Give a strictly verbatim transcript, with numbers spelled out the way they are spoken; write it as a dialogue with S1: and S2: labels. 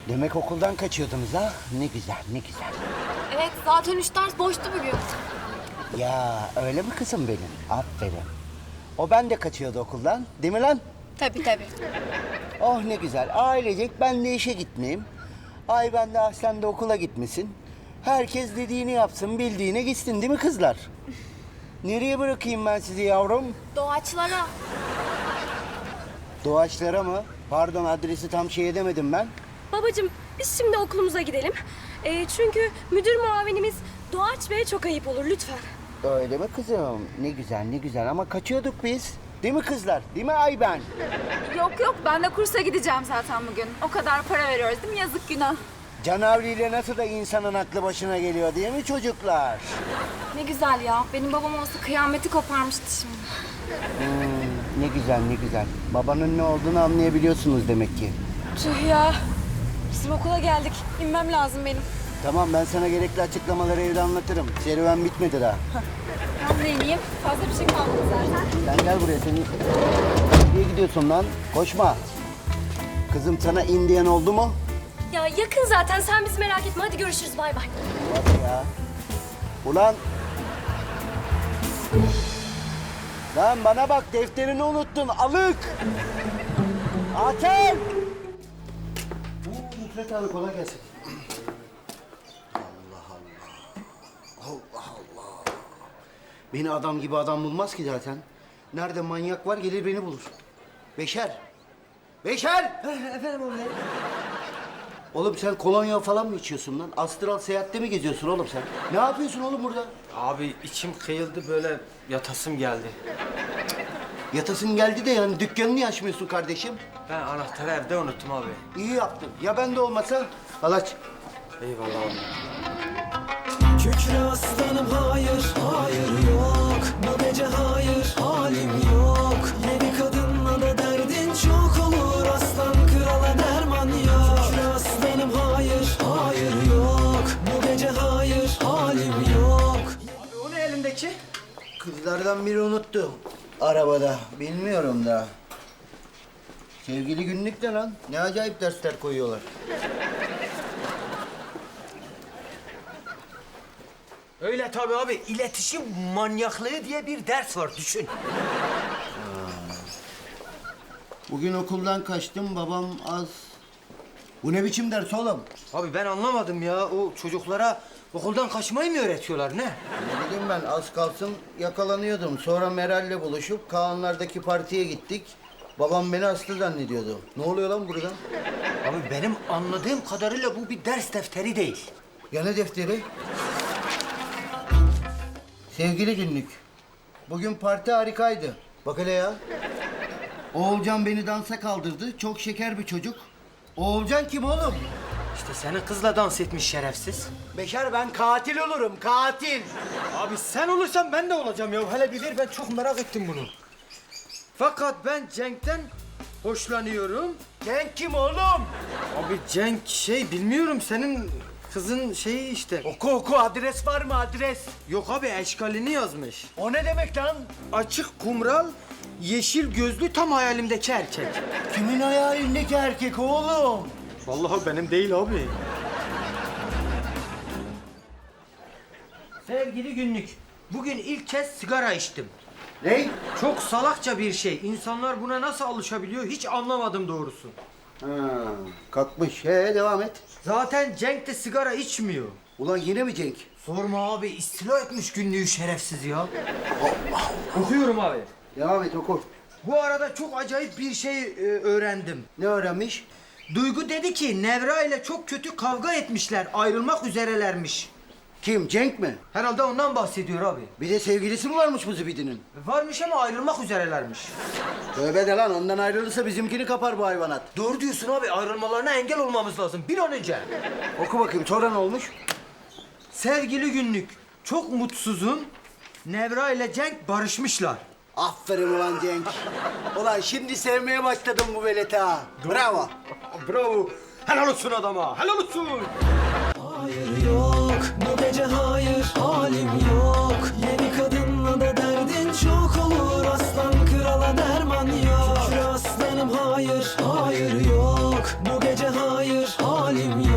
S1: Demek okuldan kaçıyordunuz ha? Ne güzel, ne güzel.
S2: Evet, zaten üç ders boştu bugün.
S1: Ya öyle mi kızım benim? Aferin. O ben de kaçıyordu okuldan, değil mi lan?
S2: Tabii tabii.
S1: Oh ne güzel. Ailecek ben de işe gitmeyeyim. Ay ben de Aslan da okula gitmesin. Herkes dediğini yapsın, bildiğine gitsin değil mi kızlar? Nereye bırakayım ben sizi yavrum?
S2: Doğaçlara.
S1: Doğaçlara mı? Pardon adresi tam şey edemedim ben.
S3: Babacığım biz şimdi okulumuza gidelim. Ee, çünkü müdür muavinimiz Doğaç Bey'e çok ayıp olur lütfen.
S1: Öyle mi kızım? Ne güzel ne güzel ama kaçıyorduk biz. Değil mi kızlar? Değil mi Ayben?
S4: Yok yok ben de kursa gideceğim zaten bugün. O kadar para veriyoruz değil mi? Yazık günah.
S1: Canavriyle nasıl da insanın aklı başına geliyor değil mi çocuklar?
S2: Ne güzel ya. Benim babam olsa kıyameti koparmıştı şimdi.
S1: Hmm, ne güzel ne güzel. Babanın ne olduğunu anlayabiliyorsunuz demek ki.
S3: Tüh ya. Bizim okula geldik. İnmem lazım benim.
S1: Tamam ben sana gerekli açıklamaları evde anlatırım. Serüven bitmedi daha.
S4: Ben de ineyim. Fazla bir şey kalmadı zaten.
S1: Sen gel buraya seni. Nereye gidiyorsun lan? Koşma. Kızım sana in diyen oldu mu?
S3: Ya yakın zaten sen bizi merak etme. Hadi görüşürüz bay bay.
S1: Hadi ya. Ulan. Lan bana bak defterini unuttun alık. Atel. Bu Nusret abi kolay gelsin. Allah Allah. Allah Allah. Beni adam gibi adam bulmaz ki zaten. Nerede manyak var gelir beni bulur. Beşer. Beşer. Efendim oğlum. Oğlum sen kolonya falan mı içiyorsun lan? Astral seyahatte mi geziyorsun oğlum sen? Ne yapıyorsun oğlum burada?
S5: Abi içim kıyıldı böyle yatasım geldi.
S1: Yatasın geldi de yani dükkanını niye açmıyorsun kardeşim?
S5: Ben anahtarı evde unuttum abi.
S1: İyi yaptın. Ya ben de olmasa? Al aç.
S5: Eyvallah abi.
S6: Kükre aslanım hayır, hayır yok. Bu gece hayır, halim yok. Yeni kadınla da derdin çok olur. Aslan krala derman yok. Kükre aslanım hayır, hayır yok. Bu gece hayır, halim yok.
S5: Abi o ne elindeki?
S1: Kızlardan biri unuttu. Arabada. Bilmiyorum da. Sevgili günlük de lan. Ne acayip dersler koyuyorlar.
S5: Öyle tabii abi. İletişim manyaklığı diye bir ders var düşün.
S1: Bugün okuldan kaçtım. Babam az... Bu ne biçim ders oğlum?
S5: Abi ben anlamadım ya. O çocuklara okuldan kaçmayı mı öğretiyorlar ne?
S1: Ne bileyim ben az kalsın yakalanıyordum. Sonra Meral'le buluşup Kaanlar'daki partiye gittik. Babam beni hasta zannediyordu. Ne oluyor lan burada?
S5: Abi benim anladığım kadarıyla bu bir ders defteri değil.
S1: Ya ne defteri? Sevgili günlük. Bugün parti harikaydı. Bak hele ya. Oğulcan beni dansa kaldırdı. Çok şeker bir çocuk. Oğulcan kim oğlum?
S5: İşte senin kızla dans etmiş şerefsiz.
S1: Beşer ben katil olurum. Katil.
S5: Abi sen olursan ben de olacağım ya. Hele bir ver ben çok merak ettim bunu. Fakat ben Cenk'ten hoşlanıyorum.
S1: Cenk kim oğlum?
S5: Abi Cenk şey bilmiyorum senin kızın şeyi işte.
S1: Oku oku adres var mı adres?
S5: Yok abi eşkalini yazmış.
S1: O ne demek lan?
S5: Açık kumral, yeşil gözlü tam hayalimdeki erkek.
S1: Kimin hayalindeki erkek oğlum?
S5: Vallahi benim değil abi. Sevgili günlük, bugün ilk kez sigara içtim.
S1: Ne?
S5: Çok salakça bir şey. İnsanlar buna nasıl alışabiliyor hiç anlamadım doğrusu.
S1: Ha, kalkmış. He devam et.
S5: Zaten Cenk de sigara içmiyor.
S1: Ulan yine mi Cenk?
S5: Sorma abi istila etmiş günlüğü şerefsiz ya. Okuyorum abi.
S1: Devam et oku.
S5: Bu arada çok acayip bir şey e, öğrendim.
S1: Ne öğrenmiş?
S5: Duygu dedi ki Nevra ile çok kötü kavga etmişler, ayrılmak üzerelermiş.
S1: Kim? Cenk mi?
S5: Herhalde ondan bahsediyor abi.
S1: Bir de sevgilisi mi varmış bu zibidinin?
S5: Varmış ama ayrılmak üzerelermiş.
S1: Tövbe de lan ondan ayrılırsa bizimkini kapar bu hayvanat.
S5: Doğru diyorsun abi, ayrılmalarına engel olmamız lazım bir an önce.
S1: Oku bakayım sonra ne olmuş?
S5: Sevgili günlük, çok mutsuzum. Nevra ile Cenk barışmışlar.
S1: Aferin ulan Cenk. Ulan şimdi sevmeye başladım bu veleti ha. Bravo.
S5: Bravo. Helal olsun adama, helal olsun.
S6: Hayır yok, bu gece hayır, halim yok. Yeni kadınla da derdin çok olur. Aslan krala derman yok. Kükre aslanım hayır, hayır yok. Bu gece hayır, halim halim